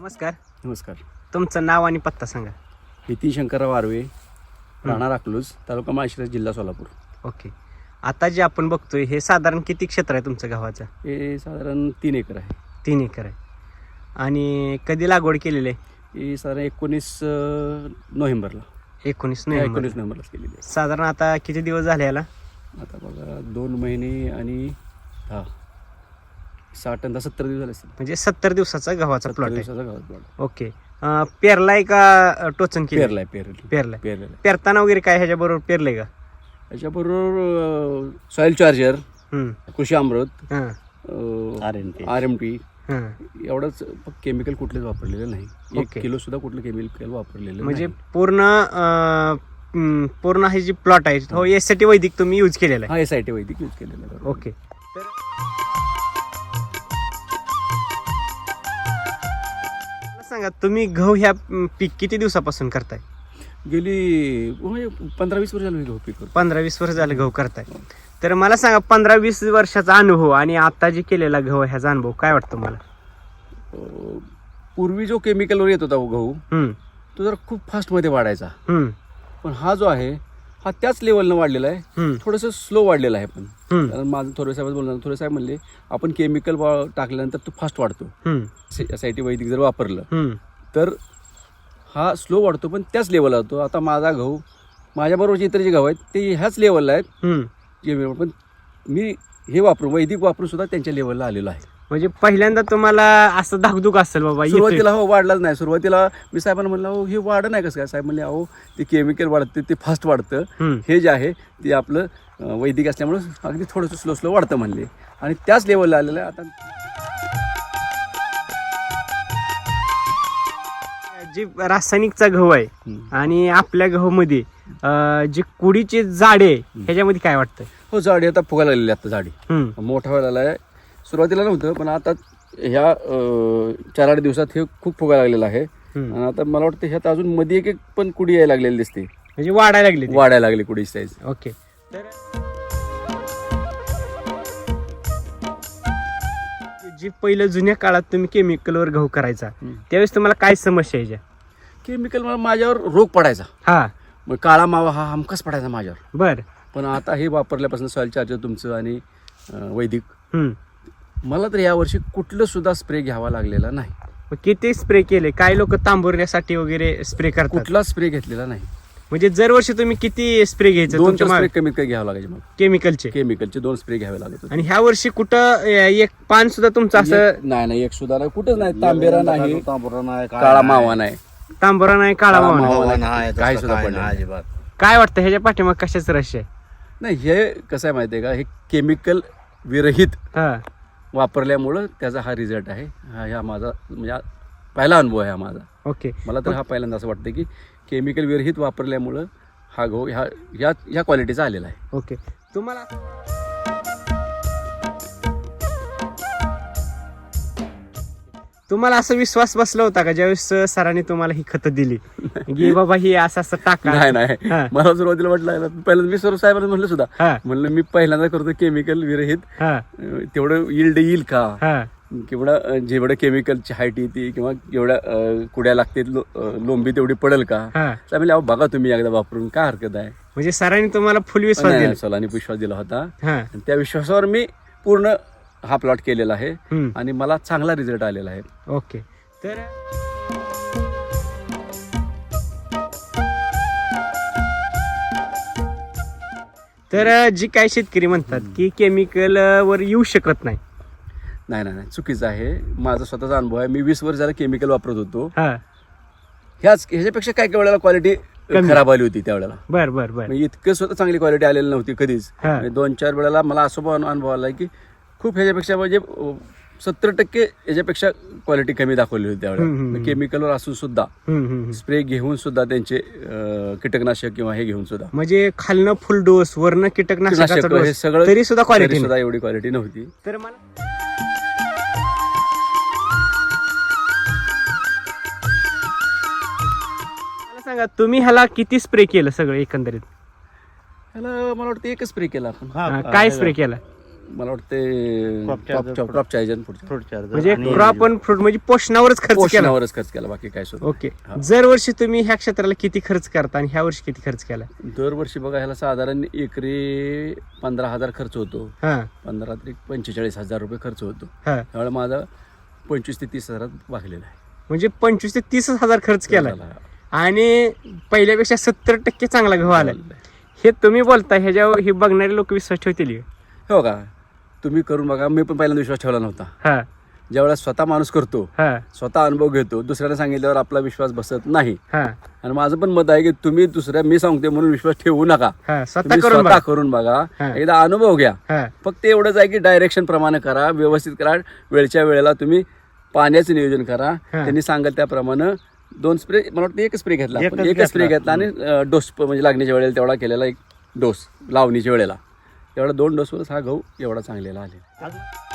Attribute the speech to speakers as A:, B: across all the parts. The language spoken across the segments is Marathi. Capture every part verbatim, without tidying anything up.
A: नमस्कार.
B: नमस्कार.
A: तुमचं नाव आणि पत्ता सांगा.
B: नितीन शंकरराव आर्वे, राहणार अकलूज, तालुका माळशिरस, जिल्हा सोलापूर.
A: ओके. आता जे आपण बघतोय हे साधारण किती क्षेत्र आहे तुमचं गव्हाचं?
B: हे साधारण तीन एकर आहे.
A: तीन एकर आहे. आणि कधी लागवड केलेली आहे?
B: ही साधारण एकोणीस नोव्हेंबरला
A: एकोणीस नोव्हेंबर
B: एकोणीस नोव्हेंबरलाच केलेली आहे.
A: साधारण आता किती दिवस झाले याला?
B: आता बघा दोन महिने आणि हा साठ आणि सत्तर दिवस झाले असतील.
A: म्हणजे सत्तर दिवसाचा गव्हाचा
B: सत्तर
A: प्लॉट आहे.
B: दिवसाचा गावात प्लॉट.
A: ओके. अं, पेरलाय का टोचन केलं?
B: पेरलाय पेरलाय
A: पेरलाय.
B: पेरलेला.
A: पेरताना वगैरे काय ह्याच्या बरोबर पेरलंय का?
B: त्याच्याबरोबर सॉईल चार्जर,
A: हम्म.
B: कृषी अमृत,
A: हां
B: R M T R M T
A: हां.
B: एवढंच. केमिकल कुठलेच वापरलेलं नाही. एक
A: ओके.
B: किलो सुद्धा कुठलं केमिकल वापरलेलं
A: म्हणजे
B: नाही.
A: पूर्ण अं, हम्म, पूर्ण हे जी प्लॉट आहे हो यासाठी वैदिक तुम्ही यूज केलेला आहे?
B: हा S I T Vaidik use केलेलं आहे.
A: ओके. तर मला सांगा तुम्ही गहू ह्या म, पीक किती दिवसापासून करताय?
B: गेली म्हणजे पंधरा वीस वर्ष झाली गहू पीक करतो.
A: पंधरा वीस वर्ष झालं गहू करताय. तर मला सांगा पंधरा वीस वर्षाचा अनुभव आणि आता जे केलेला गहू आहे, ह्याचा अनुभव काय वाटतो मला?
B: अं, पूर्वी जो केमिकलवर येत होता गहू
A: हम्म,
B: तो जरा खूप फास्टमध्ये वाढायचा,
A: हम्म,
B: पण हा जो आहे हा त्याच लेवलनं वाढलेला आहे.
A: हम्म,
B: थोडंसं स्लो वाढलेला आहे. पण
A: हम्म,
B: कारण माझं थोडे साहेब बोलणार थोडे साहेब म्हणले आपण केमिकल टाकल्यानंतर तो फास्ट वाढतो.
A: हम्म,
B: एस आय टी वैदिक जर वापरलं
A: हम्म.
B: तर हा स्लो वाढतो, पण त्याच लेवलला होतो. आता माझा गहू माझ्याबरोबरचे इतर जे गहू आहेत ते ह्याच लेवलला आहेत.
A: हम्म.
B: जे पण मी हे वापरून वैदिक वापरून सुद्धा त्यांच्या लेवलला आलेलो आहे.
A: म्हणजे पहिल्यांदा तुम्हाला असं धाकधूक असेल बाबा येतोय.
B: सुरुवातीला हो वाढलाच नाही. सुरुवातीला मी साहेबांना म्हणलं अहो हे वाढ नाही कसं काय? साहेब म्हणले अहो ते केमिकल वाढतं, ते फास्ट वाढतं.
A: हम्म.
B: हे जे आहे ते आपलं अं, वैदिक असल्यामुळं अगदी थोडंसं स्लो स्लो वाढतं म्हणले, आणि त्याच लेवलला आलेलं आहे. आता
A: जे रासायनिकचा गहू आहे
B: हम्म.
A: आणि आपल्या गहूमध्ये अं, जे कुडीचे जाडे ह्याच्यामध्ये काय वाटतं?
B: हो झाडी आता फुगायला लागलेली आहे. आता झाडी
A: हम्म,
B: मोठा व्हायला आहे. सुरुवातीला नव्हतं, पण आता ह्या अं, चार आठ दिवसात हे खूप फुगायला लागलेलं आहे.
A: हम्म.
B: आणि आता मला वाटतं ह्यात अजून मध्ये एक एक पण कुडी यायला लागलेली दिसते.
A: म्हणजे वाढायला लागले ते.
B: वाढायला लागली कुडी साईज.
A: ओके. तर जी पहिलं जुन्या काळात तुम्ही केमिकलवर गहू करायचा त्यावेळेस तुम्हाला काय समस्या यायच्या?
B: केमिकल मला माझ्यावर रोग पडायचा.
A: हा
B: मग काळा मावा हा हमखास पडायचा माझ्यावर.
A: बर.
B: पण आता हे वापरल्यापासून सॉईल चार्जर तुमचं आणि अं, वैदिक
A: हम्म.
B: मला तर यावर्षी कुठलं सुद्धा स्प्रे घ्यावा लागलेला नाही.
A: मग किती स्प्रे केले? काय लोक तांबवण्यासाठी वगैरे स्प्रे करतात.
B: कुठला स्प्रे घेतलेला नाही.
A: म्हणजे दरवर्षी तुम्ही किती स्प्रे घ्यायचे
B: दोन
A: तुमच्या
B: स्प्रे कमीत कमी घ्यावं लागायचे. मग
A: केमिकलचे?
B: केमिकलचे दोन स्प्रे घ्यावे लागत होते.
A: आणि ह्या वर्षी कुठं अं, एक पान सुद्धा तुमचं असं
B: एक- नाही नाही एक सुद्धा नाही, कुठंच नाही. तांबेरा नाही,
C: तांबुरा नाही,
B: काळा मावा नाही,
A: तांबरा नाही, काळा
B: काळा
A: मावा नाही.
B: मावा
C: नाही,
B: नाही,
C: तसलं
B: काही सुद्धा
C: काय
B: पडलं
C: नाही
B: नाही.
C: अजिबात.
A: काय वाटतं ह्याच्या पाठीमाग कशाच रहस्य आहे?
B: नाही हे कसं आहे माहिती आहे का, हे केमिकल विरहित
A: हा
B: वापरल्यामुळं त्याचा हा रिझल्ट आहे. हा ह्या माझा म्हणजे हा पहिला अनुभव आहे हा माझा.
A: ओके.
B: मला तर हा पहिल्यांदा असं वाटतं की केमिकल विरहित वापरल्यामुळं हा गहू ह्या ह्या ह्या क्वालिटीचा आलेला आहे.
A: ओके. तुम्हाला तुम्हाला असं विश्वास बसला होता का ज्यावेळेस सरांनी तुम्हाला ही खतं दिली की बाबा ही असं असं टाका?
B: नाही नाही
A: हा.
B: मला सुरुवातीला म्हटलं पहिल्यांदा मी सर साहेबांना म्हणलं सुद्धा,
A: हा
B: म्हणलं मी पहिल्यांदा करतो केमिकल विरहित,
A: हा
B: अं, तेवढं यील्ड येईल का,
A: हा
B: केवढा जेवढं केमिकलची हाईट येते किंवा जेवढ्या अं, कुड्या लागते लो, अं, लोंबी तेवढी पडेल का.
A: हा.
B: तर म्हणले अहो बघा तुम्ही एकदा वापरून काय हरकत आहे.
A: म्हणजे सरांनी तुम्हाला फुल विश्वास
B: नाही,
A: दिला?
B: नाही, सलानी विश्वास दिला होता.
A: हा.
B: आणि त्या विश्वासावर मी पूर्ण हा प्लॉट केलेला आहे
A: हम्म.
B: आणि मला चांगला रिझल्ट आलेला आहे.
A: ओके. तर तर जी काही शेतकरी म्हणतात की केमिकल वर येऊ शकत नाही.
B: नाही नाही नाही चुकीचं आहे. माझा स्वतःचा अनुभव आहे. मी वीस वर्ष झालं केमिकल वापरत होतो.
A: हा
B: ह्याच ह्याच्यापेक्षा काय काय वेळेला क्वालिटी
A: कमी.
B: खराब आली होती त्यावेळेला.
A: बर बर बर.
B: म्हणजे इतकं स्वतः चांगली क्वालिटी आलेली नव्हती कधीच.
A: हा.
B: म्हणजे दोन चार वेळेला मला असं पण अनुभव आला की खूप ह्याच्यापेक्षा म्हणजे सत्तर टक्के ह्याच्यापेक्षा क्वालिटी कमी दाखवली होती
A: हम्म, हम्म,
B: त्यावेळेला.
A: हम्म.
B: केमिकलवर असून सुद्धा
A: हम्म, हम्म, हम्म.
B: स्प्रे घेऊन सुद्धा त्यांचे अं, कीटकनाशक किंवा हे घेऊन सुद्धा
A: म्हणजे खालनं फुल डोस वरनं कीटकनाशकाचा
B: कीटकनाशक हे
A: डोस
B: सगळं
A: तरी सुद्धा
B: तरी
A: क्वालिटी
B: सुद्धा एवढी क्वालिटी नव्हती.
A: तर मला मला सांगा तुम्ही ह्याला किती स्प्रे केलं सगळं एकंदरीत?
B: ह्याला मला वाटतं एकच स्प्रे केला आपण.
A: हा, काय स्प्रे केला?
B: मला वाटते
C: Crop charger
B: crop crop charger पुढच्या
C: फ्रूट चार्जर
A: म्हणजे
C: आणि
A: क्रॉप आणि फ्रूट म्हणजे पोषणावरच खर्च केला.
B: पोषणावरच खर्च केला, बाकी काय सुद्धा
A: ओके.
B: हा.
A: दरवर्षी तुम्ही ह्या क्षेत्राला किती खर्च करता आणि ह्या वर्षी किती खर्च केला?
B: दरवर्षी बघा ह्याला साधारण एकरी पंधरा हजार खर्च होतो.
A: हा
B: पंधरा ते पंचेचाळीस हजार रुपये खर्च होतो.
A: हा
B: त्यामुळे माझा पंचवीस ते तीस हजारात भागलेला आहे.
A: म्हणजे पंचवीस ते तीस हजार खर्च केला
B: झाला.
A: आणि पहिल्यापेक्षा सत्तर टक्के चांगला गहू आला. हे तुम्ही बोलता ह्याच्यावर हे बघणारे लोक विश्वास ठेवतील?
B: हो का, तुम्ही करून बघा. मी पण पहिल्यांदा विश्वास ठेवला नव्हता.
A: हा
B: ज्यावेळेला स्वतः माणूस करतो,
A: हा
B: स्वतः अनुभव घेतो, दुसऱ्याला सांगितल्यावर आपला विश्वास बसत नाही.
A: हा
B: आणि माझं पण मत आहे की तुम्ही दुसऱ्या मी सांगते म्हणून विश्वास ठेवू नका.
A: हा स्वतः
B: तुम्ही
A: करून
B: स्वतः
A: बघा.
B: करून बघा,
A: हा.
B: एकदा अनुभव घ्या.
A: हा
B: फक्त एवढंच आहे की डायरेक्शन प्रमाणे करा, व्यवस्थित करा, वेळच्या वेळेला तुम्ही पाण्याचं नियोजन करा. त्यांनी सांगत त्याप्रमाणे दोन स्प्रे, मला वाटतं एक स्प्रे घेतला, आपण
C: एकच
B: एकच स्प्रे
C: घेतला.
B: घेतला आणि डोस म्हणजे लागण्याच्या वेळेला तेवढा केलेला एक डोस, लावणीच्या वेळेला तेवढा दोन डोसवरच हा गहू एवढा चांगलेला आलेला.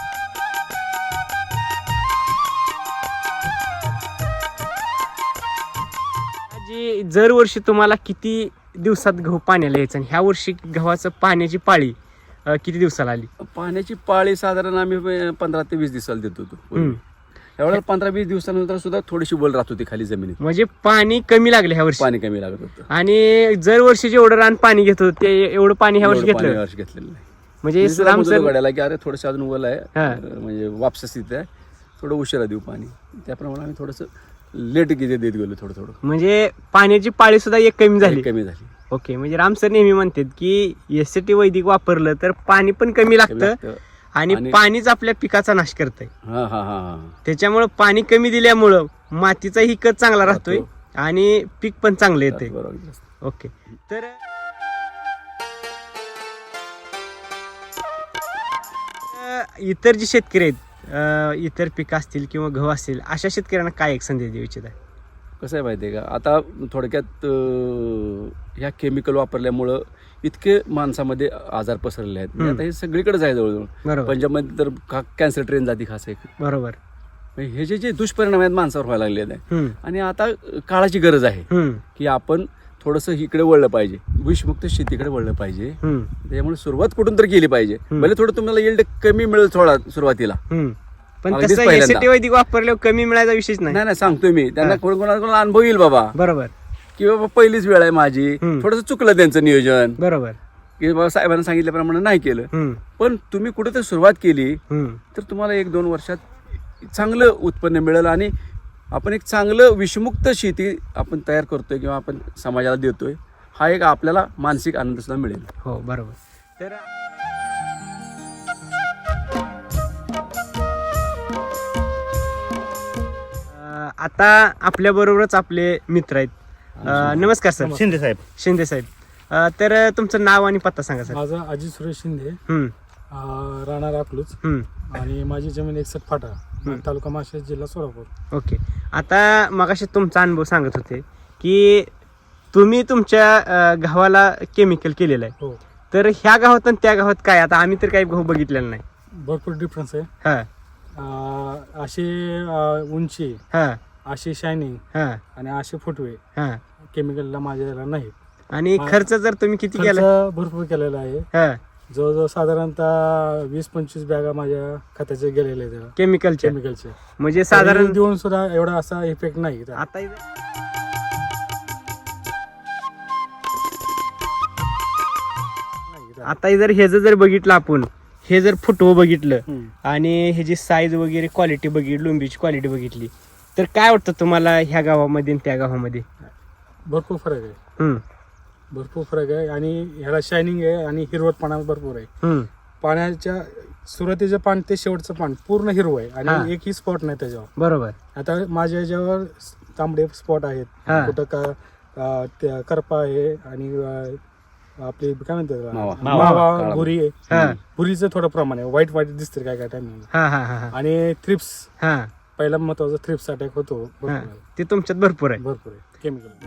A: जी दरवर्षी तुम्हाला किती दिवसात गहू पाण्याला यायचं आणि ह्या वर्षी गव्हाचं पाण्याची पाळी अं, किती दिवसाला आली?
B: पाण्याची पाळी साधारण आम्ही पंधरा ते वीस दिवसाला देत होतो पूर्वी. त्यावेळेला पंधरा वीस दिवसानंतर सुद्धा थोडीशी बोल राहत होती खाली जमिनीत,
A: म्हणजे पाणी कमी लागलं ह्या वर्षी
B: पाणी कमी लागत होतं.
A: आणि दरवर्षी जेवढं रान पाणी घेत होतं ते एवढं पाणी ह्या वर्षी
B: एवढं पाणी
A: घेतलं.
B: यावर्षी घेतलेलं नाही.
A: म्हणजे
B: मी सुद्धा
A: राम
B: मुजरा
A: सर
B: गड्याला की अरे थोडंसं अजून ओलं आहे,
A: हा.
B: अं, म्हणजे वापस स्थिती आहे, थोडं उशिरा देऊ पाणी. त्याप्रमाणे आम्ही थोडंसं लेट किती देत गेलो, थोडं थोडं
A: म्हणजे पाण्याची पाळी सुद्धा एक कमी झाली.
B: कमी झाली.
A: ओके. म्हणजे राम सर नेहमी म्हणतात की एस टी वैदिक वापरलं तर पाणी पण कमी
B: कमी
A: लागतं
B: लागतं.
A: आणि
B: आणि-
A: पाणीच आपल्या पिकाचा नाश करतंय.
B: हा हा हा हा
A: त्याच्यामुळं पाणी कमी दिल्यामुळं मातीचाही कच चांगला राहतोय आणि पीक पण चांगलं येतंय.
B: बरोबर.
A: ओके. तर अं, इतर जे शेतकरी आहेत, अं, इतर पिकं असतील किंवा गहू असतील, अशा शेतकऱ्यांना काय एक संदेश देऊ इच्छित आहे?
B: कसं आहे माहिती आहे का, आता थोडक्यात अं, ह्या केमिकल वापरल्यामुळं इतके माणसामध्ये आजार पसरले आहेत. म्हणजे आता हे सगळीकडेच आहे जवळजवळ.
A: बरोबर
B: पंजाबमध्ये तर कॅन्सर ट्रेन जाती खास आहे.
A: बरोबर.
B: म्हणजे हे जे जे दुष्परिणाम आहेत माणसावर व्हायला लागले आहेत
A: हम्म,
B: आणि आता काळाची गरज आहे
A: हम्म,
B: की आपण थोडंसं इकडे वळलं पाहिजे, विषमुक्त शेतीकडे वळलं पाहिजे.
A: हम्म,
B: त्यामुळे सुरुवात कुठून तर केली पाहिजे.
A: हम्म.
B: भले थोडं तुम्हाला येल्ड कमी मिळेल थोडा सुरुवातीला.
A: हम्म. पण
B: अगदीच
A: तसं
B: पहिल्यांदा.
A: एस टी वैदिक वापरल्यावर कमी मिळायचा विषयच नाही.
B: नाही नाही सांगतोय मी त्यांना,
A: हा.
B: कोण कोणाला अनुभव येईल बाबा
A: बरोबर
B: की बाबा पहिलीच वेळ आहे माझी,
A: हम्म.
B: थोडंसं चुकलं त्यांचं नियोजन
A: बरोबर.
B: की बाबा साहेबांना सांगितल्याप्रमाणे नाही केलं.
A: हम्म,
B: पण तुम्ही कुठेतरी सुरुवात केली
A: हम्म.
B: तर तुम्हाला एक दोन वर्षात चांगलं उत्पन्न मिळेल आणि आपण एक चांगलं विषमुक्त शेती आपण तयार करतोय किंवा आपण समाजाला देतोय, हा एक आपल्याला मानसिक आनंद सुद्धा मिळेल.
A: हो बरोबर. तर अं, आता आपल्या बरोबरच आपले मित्र आहेत. अं, नमस्कार सर.
C: शिंदे साहेब.
A: शिंदे साहेब. अं, तर तुमचं नाव आणि पत्ता सांगा सर.
D: माझं अजित सुरेश शिंदे,
A: हम्म,
D: अं, राहणार अकलूज,
A: हम्म.
D: आणि माझी जमीन एकसठ फाटा, तालुका माळशेज, जिल्हा सोलापूर.
A: ओके. आता मगाशी तुमचा अनुभव सांगत होते की तुम्ही तुमच्या अं, गव्हाला केमिकल केलेलं आहे.
D: हो,
A: तर ह्या गावात आणि त्या गावात काय, आता आम्ही तर काही गहू बघितलेला नाही.
D: भरपूर डिफरन्स आहे.
A: हा
D: अं, अशी अं, उंची,
A: हा
D: अशी शायनिंग
A: हा
D: आणि असे फुटवे
A: हा.
D: केमिकलला माझ्याला नाही.
A: आणि
D: हा.
A: खर्च जर तुम्ही किती केला?
D: खर्च भरपूर केलेला आहे.
A: हा
D: जवळजवळ साधारणतः वीस पंचवीस बॅगा माझ्या खताचे गेलेले आहेत
A: केमिकलच्या,
D: केमिकलचे.
A: म्हणजे साधारण
D: तरी देऊन सुद्धा एवढा असा इफेक्ट नाही.
A: आता आता जर हे जर बघितलं आपण, हे जर फुटवं बघितलं
B: हम्म.
A: आणि ह्याची साईज वगैरे क्वालिटी बघितली, लुंबीची क्वालिटी बघितली, तर काय वाटतं तुम्हाला ह्या गावामध्ये आणि त्या गावामध्ये?
D: भरपूर फरक आहे.
A: हम्म,
D: भरपूर फरक आहे आणि ह्याला शायनिंग आहे आणि हिरवटपणा भरपूर आहे.
A: हम्म.
D: पाण्याच्या सुरुवातीचं पान ते शेवटचं पान पूर्ण हिरवं आहे
A: हा.
D: आणि एकही स्पॉट नाही त्याच्यावर.
A: बरोबर.
D: आता माझ्या याच्यावर तांबडे स्पॉट आहेत,
A: हा.
D: कुठं का अं, त्या करपा आहे आणि अं, आपली काय म्हणतात
B: मावा.
D: त्याला?
A: मावा.
D: मावा
B: काळा.
D: भुरी
A: हा.
D: आहे. भुरीचं थोडं प्रमाण आहे, व्हाईट व्हाईट दिसते काय काय टायमिंग.
A: हा हा हा हा
D: आणि थ्रिप्स,
A: हा
D: पहिला महत्वाचा थ्रिप्स अटॅक होतो. भरपूर
A: हा.
D: आहे.
A: ते तुमच्यात भरपूर आहे.
D: भरपूर आहे केमिकल.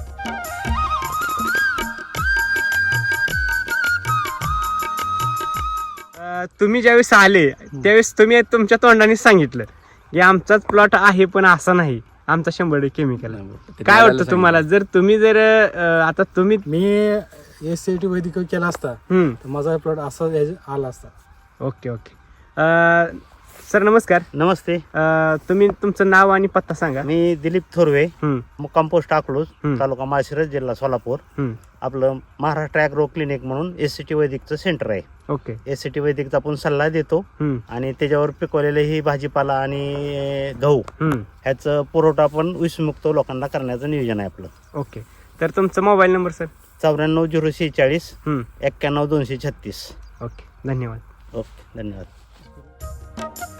A: अं, तुम्ही ज्यावेळेस आले त्यावेळेस तुम्ही तुमच्या तोंडाने सांगितलं की आमचाच प्लॉट आहे पण असा नाही, आमचा शंभर टक्के केमिकल आहे.
B: ते
A: काय
B: गावाला
A: वाटतं तुम्हाला, जर तुम्ही जर अं, आता तुम्ही
D: मी एस सी टी वैदिक केला असता
A: हम्म,
D: तर माझा प्लॉट असा याच्या- आला असता.
A: ओके ओके अं, सर नमस्कार.
C: नमस्ते.
A: अं, तुम्ही तुमचं नाव आणि पत्ता सांगा.
C: मी दिलीप थोरवे,
A: हम्म,
C: मुक्काम पोस्ट अकलूज,
A: हम्म.
C: तालुका माळशिरस, जिल्हा सोलापूर.
A: हम्म,
C: आपलं महाराष्ट्र ॲग्रो क्लिनिक म्हणून एस सी टी वैदिकचं सेंटर आहे.
A: ओके.
C: एस सी टी वैदिकचा आपण सल्ला देतो
A: हम्म,
C: आणि त्याच्यावर पिकवलेले ही भाजीपाला आणि गहू
A: हम्म,
C: ह्याचं पुरवठा आपण विषमुक्त लोकांना करण्याचं नियोजन आहे आपलं.
A: ओके. तर तुमचा मोबाईल नंबर सर.
C: चौऱ्याण्णव झिरो शेहेचाळीस
A: हम्म,
C: एक्क्याण्णव दोनशे छत्तीस.
A: ओके. धन्यवाद.
C: ओके, धन्यवाद.